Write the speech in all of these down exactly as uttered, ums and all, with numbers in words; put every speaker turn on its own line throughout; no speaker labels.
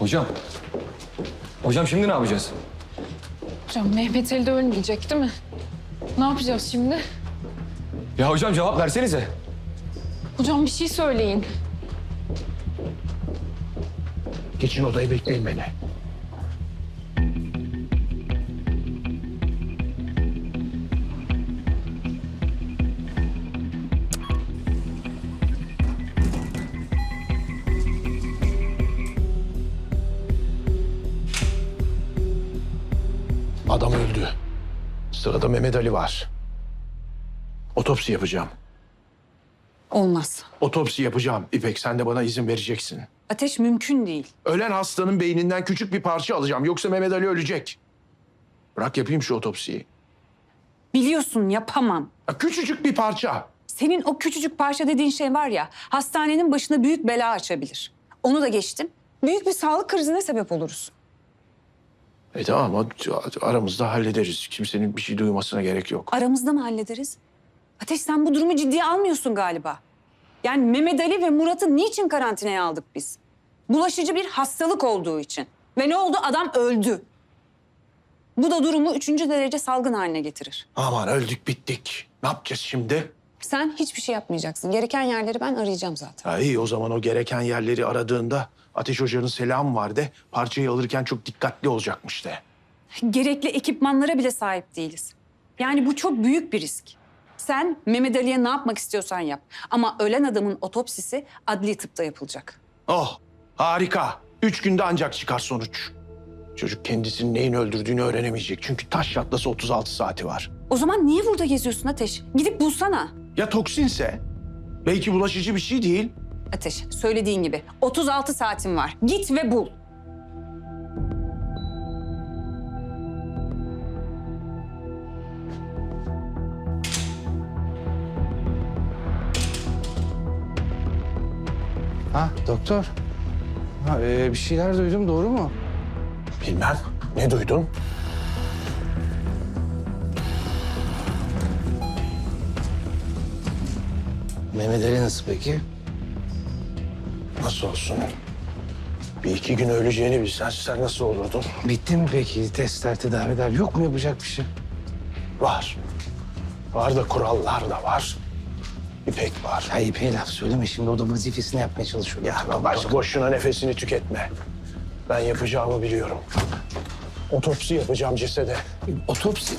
Hocam. Hocam şimdi ne yapacağız?
Hocam Mehmet Ali de ölmeyecek değil mi? Ne yapacağız şimdi?
Ya hocam cevap versenize.
Hocam bir şey söyleyin.
Geçin odayı, bekleyin beni. Adam öldü. Sırada Mehmet Ali var. Otopsi yapacağım.
Olmaz.
Otopsi yapacağım. İpek, sen de bana izin vereceksin.
Ateş mümkün değil.
Ölen hastanın beyninden küçük bir parça alacağım. Yoksa Mehmet Ali ölecek. Bırak yapayım şu otopsiyi.
Biliyorsun yapamam.
Ya küçücük bir parça.
Senin o küçücük parça dediğin şey var ya, hastanenin başına büyük bela açabilir. Onu da geçtim. Büyük bir sağlık krizine sebep oluruz.
E tamam, ama aramızda hallederiz. Kimsenin bir şey duymasına gerek yok.
Aramızda mı hallederiz? Ateş, sen bu durumu ciddiye almıyorsun galiba. Yani Mehmet Ali ve Murat'ı niçin karantinaya aldık biz? Bulaşıcı bir hastalık olduğu için. Ve ne oldu? Adam öldü. Bu da durumu üçüncü derece salgın haline getirir.
Aman öldük bittik. Ne yapacağız şimdi?
Sen hiçbir şey yapmayacaksın. Gereken yerleri ben arayacağım zaten.
Ha iyi, o zaman o gereken yerleri aradığında Ateş Hoca'nın selamı var de. Parçayı alırken çok dikkatli olacakmış de.
Gerekli ekipmanlara bile sahip değiliz. Yani bu çok büyük bir risk. Sen Mehmet Ali'ye ne yapmak istiyorsan yap. Ama ölen adamın otopsisi adli tıpta yapılacak.
Oh, harika. Üç günde ancak çıkar sonuç. Çocuk kendisinin neyin öldürdüğünü öğrenemeyecek. Çünkü taş yatlası otuz altı saati var.
O zaman niye burada geziyorsun Ateş? Gidip bulsana.
Ya toksinse? Belki bulaşıcı bir şey değil.
Ateş, söylediğin gibi otuz altı saatin var. Git ve bul.
Ha doktor. Ha, e, bir şeyler duydum, doğru mu?
Bilmem. Ne duydun?
Mehmet Ali nasıl peki?
Nasıl olsun? Bir iki gün öleceğini bilsen sen nasıl olurdun?
Bitti mi peki testler, tedaviler? Yok mu yapacak bir şey?
Var. Var da kurallar da var. İpek var.
Ya İpek'e laf söyleme şimdi, o da vazifesini yapmaya çalışıyor.
Ya baş boşuna nefesini tüketme. Ben yapacağımı biliyorum. Otopsi yapacağım cesede.
Otopsi.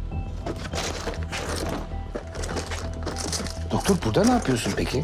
Doktor burada ne yapıyorsun peki?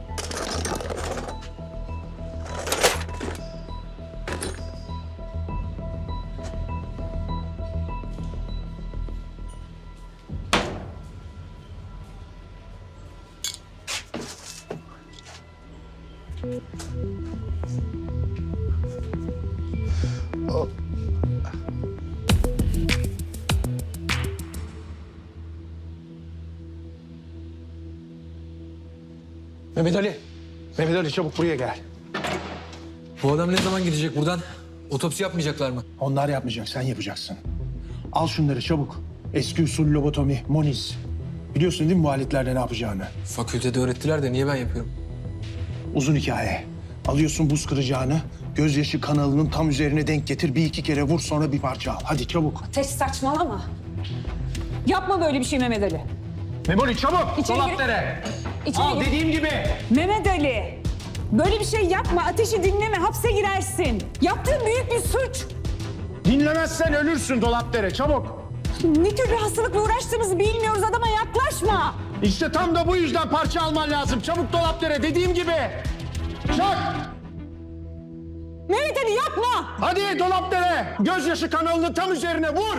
Mehmet Ali. Mehmet Ali, çabuk buraya gel.
Bu adam ne zaman gidecek buradan? Otopsi yapmayacaklar mı?
Onlar yapmayacak, sen yapacaksın. Al şunları çabuk. Eski usul lobotomi, moniz. Biliyorsun değil mi bu aletlerde ne yapacağını?
Fakültede öğrettiler de niye ben yapıyorum?
Uzun hikaye. Alıyorsun buz kıracağını, gözyaşı kanalının tam üzerine denk getir. Bir iki kere vur, sonra bir parça al. Hadi çabuk.
Ateş, saçmalama. Yapma böyle bir şey Mehmet Ali.
Memoli çabuk.
İçeri gir. İçeri
Al
gir.
dediğim gibi.
Mehmet Ali, böyle bir şey yapma. Ateşi dinleme, hapse girersin. Yaptığın büyük bir suç.
Dinlemezsen ölürsün Dolapdere, çabuk.
Ne tür bir hastalıkla uğraştığımızı bilmiyoruz, adama yaklaşma.
İşte tam da bu yüzden parça alman lazım. Çabuk Dolapdere, dediğim gibi. Çak.
Mehmet Ali yapma.
Hadi Dolapdere. Gözyaşı kanalının tam üzerine vur.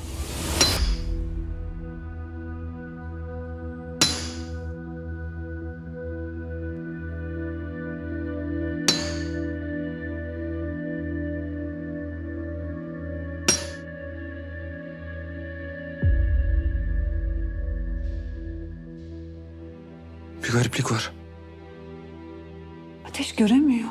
Bir gariplik var.
Ateş göremiyor.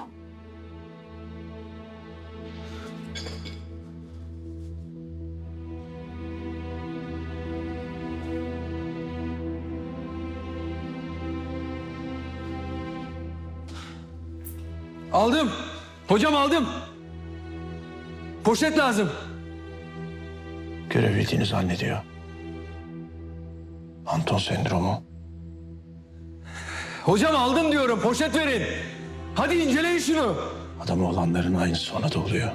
Aldım. Hocam aldım. Poşet lazım.
Görebildiğini zannediyor. Anton sendromu.
Hocam aldım diyorum. Poşet verin. Hadi inceleyin şunu.
Adamı olanların aynısı ona da oluyor.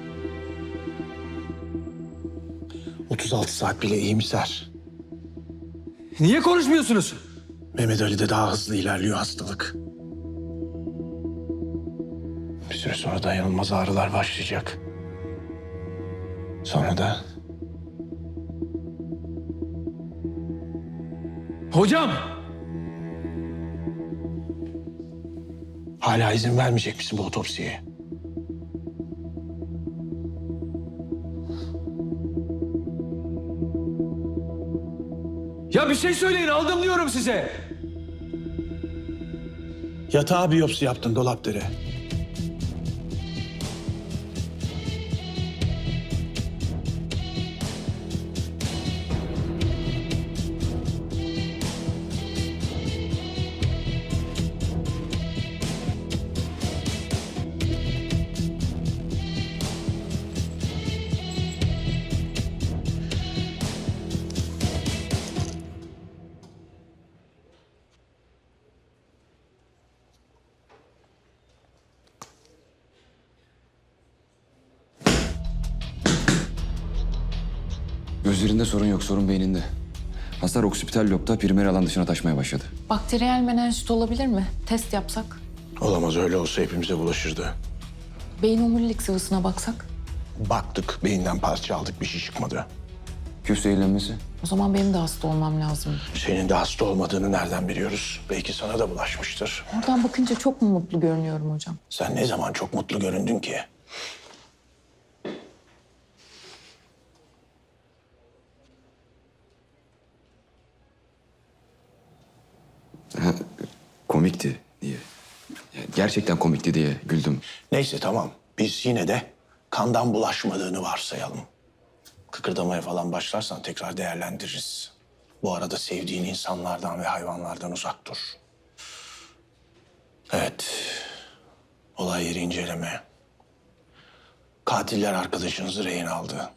otuz altı saat bile iyimser.
Niye konuşmuyorsunuz?
Mehmet Ali'de daha hızlı ilerliyor hastalık. Bir süre sonra dayanılmaz ağrılar başlayacak. Sonra da
Hocam!
hala izin vermeyecek misin bu otopsiye?
Ya bir şey söyleyin, aldım diyorum size.
Yatağa biyopsi yaptın Dolapdere.
Gözlerinde sorun yok, sorun beyninde. Hasar oksipital lobda primer alan dışına taşmaya başladı.
Bakteriyel menenjit olabilir mi? Test yapsak.
Olamaz, öyle olsa hepimize bulaşırdı.
Beyin omurilik sıvısına baksak.
Baktık, beyinden parça aldık, bir şey çıkmadı.
Göğüs zehirlenmesi.
O zaman benim de hasta olmam lazım.
Senin de hasta olmadığını nereden biliyoruz? Belki sana da bulaşmıştır.
Oradan bakınca çok mu mutlu görünüyorum hocam?
Sen ne zaman çok mutlu göründün ki?
Komikti diye. Ya gerçekten komikti diye güldüm.
Neyse tamam. Biz yine de kandan bulaşmadığını varsayalım. Kıkırdamaya falan başlarsan tekrar değerlendiririz. Bu arada sevdiğin insanlardan ve hayvanlardan uzak dur. Evet. Olay yeri inceleme. Katiller arkadaşınızı rehin aldı.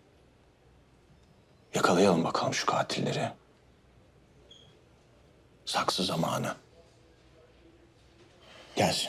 Yakalayalım bakalım şu katilleri. Saksı zamanı. Gelsin.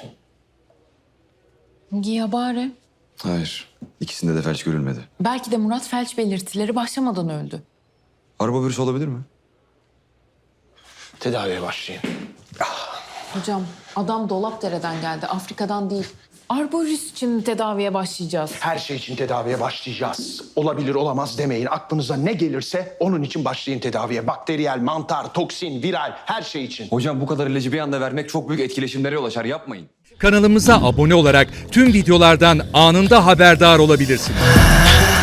Ya bari.
Hayır, ikisinde de felç görülmedi.
Belki de Murat felç belirtileri başlamadan öldü.
Araba virüsü olabilir mi?
Tedaviye başlayın.
Hocam adam Dolapdere'den geldi, Afrika'dan değil. Arbovirüs için tedaviye başlayacağız.
Her şey için tedaviye başlayacağız. Olabilir olamaz demeyin. Aklınıza ne gelirse onun için başlayın tedaviye. Bakteriyel, mantar, toksin, viral her şey için.
Hocam bu kadar ilacı bir anda vermek çok büyük etkileşimlere yol açar, yapmayın.
Kanalımıza abone olarak tüm videolardan anında haberdar olabilirsiniz.